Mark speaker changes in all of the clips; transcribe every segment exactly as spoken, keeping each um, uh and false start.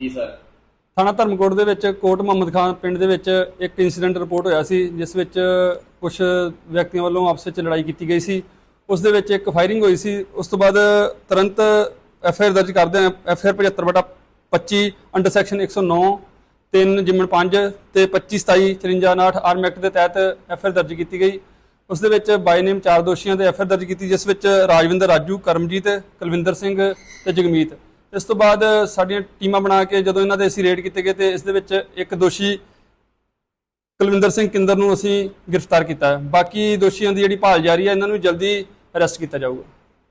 Speaker 1: ਜੀ ਸਰ।
Speaker 2: ਥਾਣਾ ਧਰਮਕੋਟ ਦੇ ਵਿੱਚ ਕੋਟ ਮੁਹੰਮਦ ਖਾਨ ਪਿੰਡ ਦੇ ਵਿੱਚ ਇੱਕ ਇਨਸੀਡੈਂਟ ਰਿਪੋਰਟ ਹੋਇਆ ਸੀ, ਜਿਸ ਵਿੱਚ ਕੁਝ ਵਿਅਕਤੀਆਂ ਵੱਲੋਂ ਆਪਸ ਵਿੱਚ ਲੜਾਈ ਕੀਤੀ ਗਈ ਸੀ। ਉਸ ਦੇ ਵਿੱਚ ਇੱਕ ਫਾਇਰਿੰਗ ਹੋਈ ਸੀ। ਉਸ ਤੋਂ ਬਾਅਦ ਤੁਰੰਤ ਐਫ ਆਈ ਆਰ ਦਰਜ ਕਰਦੇ ਹਾਂ। ਐਫ ਆਈ ਆਰ ਪਝੱਤਰ ਬਟਾ ਪੱਚੀ ਅੰਡਰ ਸੈਕਸ਼ਨ ਇੱਕ ਸੌ ਨੌ ਤਿੰਨ ਜਿਮਨ ਪੰਜ ਤੇ ਪੱਚੀ ਸਤਾਈ ਚੁਰੰਜਾ ਉਨਾਹਠ ਆਰਮ ਐਕਟ ਦੇ ਤਹਿਤ ਐਫ ਆਈ ਆਰ ਦਰਜ ਕੀਤੀ ਗਈ। ਉਸ ਦੇ ਵਿੱਚ ਬਾਈ ਨੇਮ ਚਾਰ ਦੋਸ਼ੀਆਂ ਤੇ ਐਫ ਆਈ ਆਰ ਦਰਜ ਕੀਤੀ, ਜਿਸ ਵਿੱਚ ਰਾਜਵਿੰਦਰ ਰਾਜੂ, ਕਰਮਜੀਤ, ਕੁਲਵਿੰਦਰ ਸਿੰਘ ਤੇ ਜਗਮੀਤ। ਇਸ ਤੋਂ ਬਾਅਦ ਸਾਡੀਆਂ ਟੀਮਾਂ ਬਣਾ ਕੇ ਜਦੋਂ ਇਹਨਾਂ ਦੇ ਅਸੀਂ ਰੇਡ ਕੀਤੇ ਗਏ ਤੇ ਇਸ ਦੇ ਵਿੱਚ ਇੱਕ ਦੋਸ਼ੀ ਕੁਲਵਿੰਦਰ ਸਿੰਘ ਕਿੰਦਰ ਨੂੰ ਅਸੀਂ ਗ੍ਰਿਫਤਾਰ ਕੀਤਾ। ਬਾਕੀ ਦੋਸ਼ੀਆਂ ਦੀ ਜਿਹੜੀ ਭਾਲ ਜਾਰੀ ਹੈ, ਇਹਨਾਂ ਨੂੰ ਜਲਦੀ ਅਰੈਸਟ ਕੀਤਾ ਜਾਊਗਾ।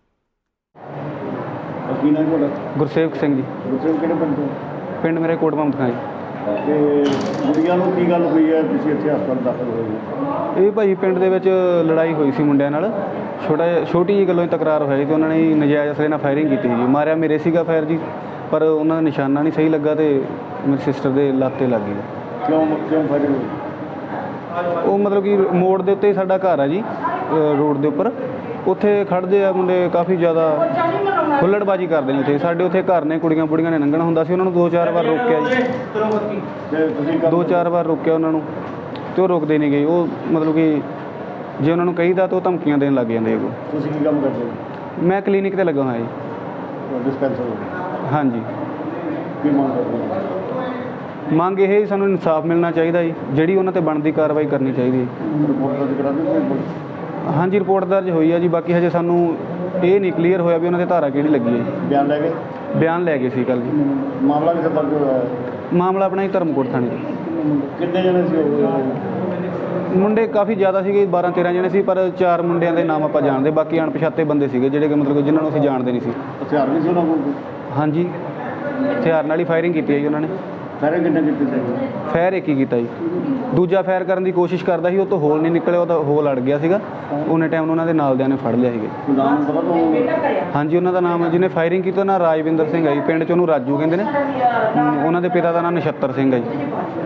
Speaker 3: ਕੀ ਨਾਮ ਤੁਹਾਡਾ?
Speaker 4: ਗੁਰਸੇਵਕ ਸਿੰਘ ਜੀ।
Speaker 3: ਗੁਰਸੇਵਕ ਕਿਹੜੇ ਪਿੰਡ ਤੋਂ?
Speaker 4: ਪਿੰਡ ਮੇਰੇ ਕੋਟ ਮੁਹੰਮਦ ਖਾਨ ਜੀ।
Speaker 3: ਤੇ ਗੁੜੀਆਂ ਨੂੰ ਕੀ ਗੱਲ ਹੋਈ ਹੈ, ਤੁਸੀਂ ਇੱਥੇ ਹਸਪਤਾਲ ਦਾਖਲ ਹੋਏ ਹੋ?
Speaker 4: ਇਹ ਭਾਈ ਪਿੰਡ ਦੇ ਵਿੱਚ ਲੜਾਈ ਹੋਈ ਸੀ ਮੁੰਡਿਆਂ ਨਾਲ। ਛੋਟਾ ਛੋਟੀ ਜਿਹੀ ਗੱਲੋਂ ਹੀ ਤਕਰਾਰ ਹੋਇਆ ਜੀ ਤੇ ਉਹਨਾਂ ਨੇ ਨਜਾਇਜ਼ ਅਸਲੇ ਨਾਲ ਫਾਇਰਿੰਗ ਕੀਤੀ ਜੀ। ਮਾਰਿਆ ਮੇਰੇ ਸੀਗਾ ਫਾਇਰ ਜੀ, ਪਰ ਉਹਨਾਂ ਦਾ ਨਿਸ਼ਾਨਾ ਨਹੀਂ ਸਹੀ ਲੱਗਾ ਤੇ ਮੇਰੀ ਸਿਸਟਰ ਦੇ ਲੱਤ 'ਤੇ ਲੱਗ ਗਈ।
Speaker 3: ਕਿਉਂ ਕਿਉਂ ਫਾਇਰਿੰਗ ਹੋਈ?
Speaker 4: ਉਹ ਮਤਲਬ ਕਿ ਮੋੜ ਦੇ ਉੱਤੇ ਸਾਡਾ ਘਰ ਆ ਜੀ, ਰੋਡ ਦੇ ਉੱਪਰ। ਉੱਥੇ ਖੜ੍ਹਦੇ ਆ ਮੁੰਡੇ, ਕਾਫੀ ਜ਼ਿਆਦਾ ਹੁੱਲੜਬਾਜੀ ਕਰਦੇ ਨੇ ਉੱਥੇ। ਸਾਡੇ ਉੱਥੇ ਘਰ ਨੇ, ਕੁੜੀਆਂ ਬੁੜੀਆਂ ਨੇ ਲੰਘਣਾ ਹੁੰਦਾ ਸੀ, ਉਹਨਾਂ ਨੂੰ ਦੋ ਚਾਰ ਵਾਰ ਰੋਕਿਆ ਜੀ।
Speaker 3: ਤੇ ਤੁਸੀਂ
Speaker 4: ਦੋ ਚਾਰ ਵਾਰ ਰੋਕਿਆ ਉਹਨਾਂ ਨੂੰ ਤੇ ਉਹ ਰੁਕਦੇ ਨਹੀਂ ਗਏ। ਉਹ ਮਤਲਬ ਕਿ ਜੇ ਉਹਨਾਂ ਨੂੰ ਕਹੀਦਾ ਤਾਂ ਉਹ ਧਮਕੀਆਂ ਦੇਣ ਲੱਗ ਜਾਂਦੇ। ਉਹ
Speaker 3: ਤੁਸੀਂ ਕੀ ਕੰਮ ਕਰਦੇ ਹੋ?
Speaker 4: ਮੈਂ ਕਲੀਨਿਕ 'ਤੇ ਲੱਗਾ ਹੋਇਆ ਜੀ।
Speaker 3: ਡਿਸਪੈਂਸਰ?
Speaker 4: ਹਾਂਜੀ।
Speaker 3: ਕੀ ਮੰਗ ਕਰਦੇ ਹੋ?
Speaker 4: ਮੰਗ ਇਹ ਹੀ, ਸਾਨੂੰ ਇਨਸਾਫ ਮਿਲਣਾ ਚਾਹੀਦਾ ਜੀ, ਜਿਹੜੀ ਉਹਨਾਂ 'ਤੇ ਬਣਦੀ ਕਾਰਵਾਈ ਕਰਨੀ ਚਾਹੀਦੀ ਹੈ।
Speaker 3: ਰਿਪੋਰਟ ਦਰਜ ਕਰਾ ਦਿਓ?
Speaker 4: ਹਾਂਜੀ, ਰਿਪੋਰਟ ਦਰਜ ਹੋਈ ਹੈ ਜੀ। ਬਾਕੀ ਹਜੇ ਸਾਨੂੰ ਇਹ ਨਹੀਂ ਕਲੀਅਰ ਹੋਇਆ ਵੀ ਉਹਨਾਂ 'ਤੇ ਧਾਰਾ ਕਿਹੜੀ ਲੱਗੀ ਹੈ।
Speaker 3: ਬਿਆਨ ਲੈ ਗਏ?
Speaker 4: ਬਿਆਨ ਲੈ ਗਏ ਸੀ ਕੱਲ੍ਹ ਜੀ।
Speaker 3: ਮਾਮਲਾ ਕਿੱਥੇ ਦਰਜ ਹੋਇਆ ਹੈ?
Speaker 4: ਮਾਮਲਾ ਆਪਣਾ ਹੀ ਧਰਮਕੋਟ ਥਾਣੇ 'ਚ।
Speaker 3: ਕਿੰਨੇ ਜਣੇ ਸੀ ਉਹ?
Speaker 4: ਮੁੰਡੇ ਕਾਫੀ ਜ਼ਿਆਦਾ ਸੀਗੇ, ਬਾਰਾਂ ਤੇਰਾਂ ਜਣੇ ਸੀ, ਪਰ ਚਾਰ ਮੁੰਡਿਆਂ ਦੇ ਨਾਮ ਆਪਾਂ ਜਾਣਦੇ, ਬਾਕੀ ਅਣਪਛਾਤੇ ਬੰਦੇ ਸੀਗੇ ਜਿਹੜੇ ਕਿ ਮਤਲਬ ਕਿ ਜਿਨ੍ਹਾਂ ਨੂੰ ਅਸੀਂ ਜਾਣਦੇ ਨਹੀਂ ਸੀ।
Speaker 3: ਹਥਿਆਰ ਵੀ ਸੀ ਉਹਨਾਂ ਕੋਲ?
Speaker 4: ਹਾਂਜੀ, ਹਥਿਆਰ ਨਾਲ ਹੀ ਫਾਇਰਿੰਗ ਕੀਤੀ ਹੈ ਜੀ ਉਹਨਾਂ ਨੇ।
Speaker 3: ਫਾਇਰਿੰਗ ਕਿੰਨੇ ਕੀਤੀ ਸੀ?
Speaker 4: ਫਾਇਰ ਇੱਕ ਹੀ ਕੀਤਾ ਜੀ। ਦੂਜਾ ਫਾਇਰ ਕਰਨ ਦੀ ਕੋਸ਼ਿਸ਼ ਕਰਦਾ ਸੀ, ਉਹ ਤੋਂ ਹੋਲ ਨਹੀਂ ਨਿਕਲਿਆ, ਉਹਦਾ ਹੋਲ ਅੜ ਗਿਆ ਸੀਗਾ। ਉਹਨੇ ਟਾਈਮ ਨੂੰ ਉਹਨਾਂ ਦੇ ਨਾਲ ਦਿਆਂ ਨੇ ਫੜ ਲਿਆ ਸੀਗੇ।
Speaker 3: ਨਾਮ ਪਤਾ ਤੁਹਾਨੂੰ?
Speaker 4: ਹਾਂਜੀ, ਉਹਨਾਂ ਦਾ ਨਾਮ ਜਿਹਨੇ ਫਾਇਰਿੰਗ ਕੀਤੀ ਉਹਦਾ ਰਾਜਵਿੰਦਰ ਸਿੰਘ ਹੈ ਜੀ। ਪਿੰਡ 'ਚ ਉਹਨੂੰ ਰਾਜੂ ਕਹਿੰਦੇ ਨੇ। ਉਹਨਾਂ ਦੇ ਪਿਤਾ ਦਾ ਨਾਮ ਨਛੱਤਰ ਸਿੰਘ ਹੈ ਜੀ।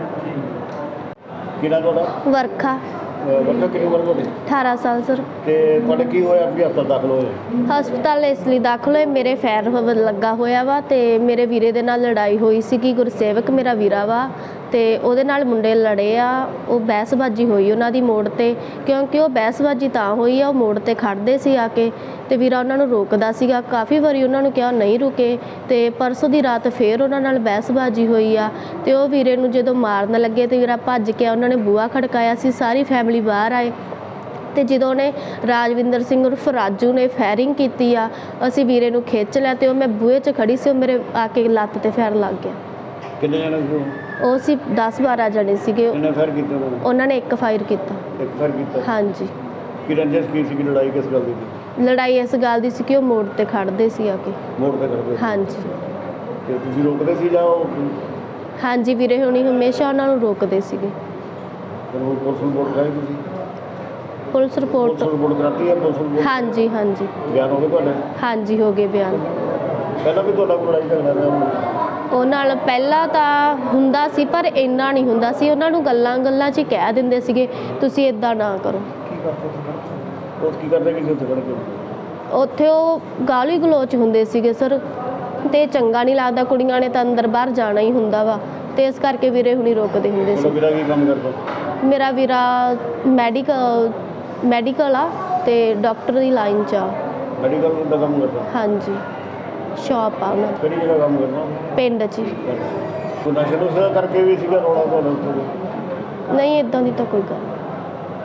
Speaker 3: ਕੀ ਨਾਮ ਤੁਹਾਡਾ?
Speaker 5: ਵਰਖਾ।
Speaker 3: ਵਰਖਾ ਕਿੰਨੀ ਉਮਰ ਤੁਹਾਡੀ?
Speaker 5: ਅਠਾਰਾਂ ਸਾਲ ਸਰ।
Speaker 3: ਤੇ ਤੁਹਾਡੇ ਕੀ ਹੋਇਆ ਵੀ ਹਸਪਤਾਲ ਦਾਖਲ ਹੋਏ?
Speaker 5: ਹਸਪਤਾਲ ਇਸ ਲਈ ਦਾਖਲ ਹੋਏ, ਮੇਰੇ ਫੈਰ ਲੱਗਾ ਹੋਇਆ ਵਾ ਤੇ ਮੇਰੇ ਵੀਰੇ ਦੇ ਨਾਲ ਲੜਾਈ ਹੋਈ ਸੀਗੀ। ਗੁਰਸੇਵਕ ਮੇਰਾ ਵੀਰਾ ਵਾ ਤੇ ਉਹਦੇ ਨਾਲ ਮੁੰਡੇ ਲੜੇ ਆ। ਉਹ ਬਹਿਸਬਾਜੀ ਹੋਈ ਉਹਨਾਂ ਦੀ ਮੋੜ ਤੇ, ਕਿਉਂਕਿ ਉਹ ਬਹਿਸਬਾਜੀ ਤਾਂ ਹੋਈ ਆ, ਉਹ ਮੋੜ ਤੇ ਖੜਦੇ ਸੀ ਆ ਕੇ ਤੇ ਵੀਰਾ ਉਹਨਾਂ ਨੂੰ ਰੋਕਦਾ ਸੀਗਾ। ਕਾਫੀ ਵਾਰੀ ਉਹਨਾਂ ਨੂੰ ਕਿਹਾ, ਨਹੀਂ ਰੁਕੇ। ਤੇ ਪਰਸੋਂ ਦੀ ਰਾਤ ਫੇਰ ਉਹਨਾਂ ਨਾਲ ਬਹਿਸਬਾਜੀ ਹੋਈ ਆ ਤੇ ਉਹ ਵੀਰੇ ਨੂੰ ਜਦੋਂ ਮਾਰਨ ਲੱਗੇ ਤੇ ਵੀਰਾ ਭੱਜ ਕੇ ਉਹਨਾਂ ਨੇ ਬੂਹਾ ਖੜਕਾਇਆ ਸੀ। ਸਾਰੀ ਫੈਮਿਲੀ ਬਾਹਰ ਆਏ ਤੇ ਜਦੋਂ ਉਹਨੇ ਰਾਜਵਿੰਦਰ ਸਿੰਘ ਉਰਫ ਰਾਜੂ ਨੇ ਫਾਇਰਿੰਗ ਕੀਤੀ ਆ, ਅਸੀਂ ਵੀਰੇ ਨੂੰ ਖਿੱਚ ਲਿਆ ਤੇ ਉਹ ਮੈਂ ਬੂਹੇ 'ਚ ਖੜੀ ਸੀ, ਉਹ ਮੇਰੇ ਆ ਕੇ ਲੱਤ ਤੇ ਫਾਇਰ ਲੱਗ ਗਿਆ।
Speaker 3: ਕਿੰਨੇ ਜਣੇ ਸੀ?
Speaker 5: ਉਹ ਸੀ ਦਸ ਬਾਰਾਂ ਜਣੇ ਸੀਗੇ।
Speaker 3: ਕਿੰਨੇ ਫਾਇਰ ਕੀਤੇ ਉਹਨਾਂ ਨੇ?
Speaker 5: ਉਹਨਾਂ ਨੇ ਇੱਕ ਫਾਇਰ ਕੀਤਾ।
Speaker 3: ਇੱਕ ਫਾਇਰ ਕੀਤਾ?
Speaker 5: ਹਾਂਜੀ।
Speaker 3: ਕੀ ਰੰਜਿਸ਼ ਕੀ ਸੀ? ਲੜਾਈ ਕਿਸ ਗੱਲ ਦੀ ਸੀ?
Speaker 5: ਲੜਾਈ ਇਸ ਗੱਲ ਦੀ ਸੀ ਕਿ ਉਹ ਮੋੜ ਤੇ ਖੜਦੇ ਸੀ ਆ ਕੇ।
Speaker 3: ਮੋੜ ਤੇ ਖੜਦੇ?
Speaker 5: ਹਾਂਜੀ।
Speaker 3: ਤੇ ਤੁਸੀਂ ਰੋਕਦੇ ਸੀ ਜਾਂ ਉਹ?
Speaker 5: ਹਾਂਜੀ, ਵੀਰੇ ਹੁਣੀ ਹਮੇਸ਼ਾ ਉਹਨਾਂ ਨੂੰ ਰੋਕਦੇ ਸੀਗੇ।
Speaker 3: ਫਿਰ ਉਹ ਪੁਲਿਸ ਨੂੰ ਰਿਪੋਰਟ ਕਰਾਈ ਤੁਸੀਂ?
Speaker 5: Police report?
Speaker 3: ਪੁਲਿਸ ਰਿਪੋਰਟ ਕਰਾਤੀ ਹੈ? Police report?
Speaker 5: ਹਾਂਜੀ ਹਾਂਜੀ।
Speaker 3: ਬਿਆਨ ਹੋ ਗਏ ਤੁਹਾਡੇ?
Speaker 5: ਹਾਂਜੀ, ਹੋ ਗਏ ਬਿਆਨ।
Speaker 3: ਪਹਿਲਾਂ ਵੀ ਤੁਹਾਡਾ ਕੋਈ ਲੜਾਈ ਝਗੜਾ ਰਿਹਾ?
Speaker 5: ਉਹ ਨਾਲ ਪਹਿਲਾਂ ਤਾਂ ਹੁੰਦਾ ਸੀ, ਪਰ ਇੰਨਾ ਨਹੀਂ ਹੁੰਦਾ ਸੀ। ਉਹਨਾਂ ਨੂੰ ਗੱਲਾਂ ਗੱਲਾਂ 'ਚ ਹੀ ਕਹਿ ਦਿੰਦੇ ਸੀਗੇ, ਤੁਸੀਂ ਇੱਦਾਂ ਨਾ ਕਰੋ।
Speaker 3: ਕੀ ਕਰਦੇ? ਉਹ ਕੀ ਕਰਦੇ ਕਿ ਉੱਥੇ ਖੜ ਕੇ?
Speaker 5: ਉੱਥੇ ਉਹ ਗਾਲੀ ਗਲੋਚ ਹੁੰਦੇ ਸੀਗੇ ਸਰ, ਤੇ ਚੰਗਾ ਨਹੀਂ ਲੱਗਦਾ। ਕੁੜੀਆਂ ਨੇ ਤਾਂ ਅੰਦਰ ਬਾਹਰ ਜਾਣਾ ਹੀ ਹੁੰਦਾ ਵਾ, ਤੇ ਇਸ ਕਰਕੇ ਵੀਰੇ ਹੁਣੀ ਰੋਕਦੇ ਹੁੰਦੇ ਸੀ।
Speaker 3: ਵੀਰਾ ਕੀ ਕੰਮ ਕਰਦਾ?
Speaker 5: ਮੇਰਾ ਵੀਰਾ ਮੈਡੀਕਲ ਮੈਡੀਕਲ ਆ ਤੇ ਡਾਕਟਰ ਦੀ ਲਾਈਨ 'ਚ ਆ।
Speaker 3: ਮੈਡੀਕਲ ਦਾ ਕੰਮ ਕਰਦਾ?
Speaker 5: ਹਾਂਜੀ, ਸ਼ਾਪ ਆ ਉਹਨਾਂ ਦੀ।
Speaker 3: ਕਿਹੜੀ ਜਗ੍ਹਾ ਕੰਮ ਕਰਦਾ?
Speaker 5: ਪਿੰਡ 'ਚ ਹੀ।
Speaker 3: ਕੋਈ ਨਸ਼ੇ ਨੁਸ਼ੇ ਕਰਕੇ ਵੀ ਸੀਗਾ ਰੌਲਾ ਤੁਹਾਡਾ ਉੱਥੇ?
Speaker 5: ਨਹੀਂ, ਇੱਦਾਂ ਦੀ ਤਾਂ ਕੋਈ ਗੱਲ ਨਹੀਂ।